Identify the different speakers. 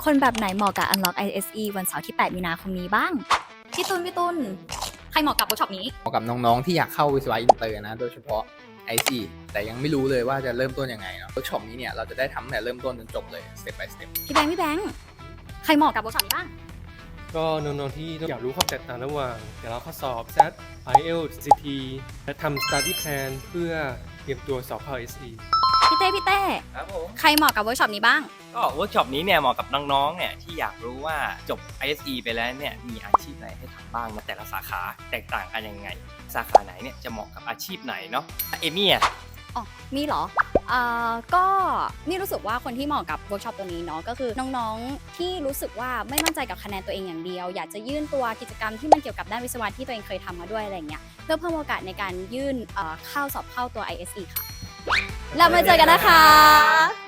Speaker 1: คนแบบไหนเหมาะกับ Unlock ISE วันเสาร์ที่ 8 มีนาคมนี้บ้าง พี่ตุลใครเหมาะกับเวิร์กช็อปนี้
Speaker 2: เหมาะกับน้องๆที่อยากเข้าวิศวะอินเตอร์นะโดยเฉพาะ IC แต่ยังไม่รู้เลยว่าจะเริ่มต้นยังไงเนาะเวิร์กช็อปนี้เนี่ยเราจะได้ทำตั้งแต่เริ่มต้นจนจบเลย step by step
Speaker 1: พี่แบงค์ใครเหมาะกับเวิร์กช็อปนี้บ้าง
Speaker 3: ก็น้องๆที่อยากรู้ความแตกต่างระหว่างแต่ละข้อสอบ SAT IELTS CT และทำ study plan เพื่อเตรียมตัวสอบเข้า SE
Speaker 1: พี่เต้
Speaker 4: ครับผม
Speaker 1: ใครเหมาะกับเวิร์กช็อปนี้บ้าง
Speaker 4: ก็เวิร์กช็อปนี้เนี่ยเหมาะกับน้องๆเนี่ยที่อยากรู้ว่าจบ ISE ไปแล้วเนี่ยมีอาชีพไหนให้ทำบ้างนะแต่ละสาขาแตกต่างกันยังไง สาขาไหนเนี่ยจะเหมาะกับอาชีพไหนเนาะเอมี่อ่ะ
Speaker 1: อ๋อ มีเหรอก็นี่รู้สึกว่าคนที่เหมาะกับเวิร์กช็อปตัวนี้เนาะก็คือน้องๆที่รู้สึกว่าไม่มั่นใจกับคะแนนตัวเองอย่างเดียว อยากจะยื่นตัวกิจกรรมที่มันเกี่ยวกับด้านวิศวะที่ตัวเองเคยทำมาด้วยอะไรเงี้ยเพื่อเพิ่มโอกาสในการยื่นเข้าสอบเข้าตัว ISE ค่ะ แล้วมาเจอกันนะคะ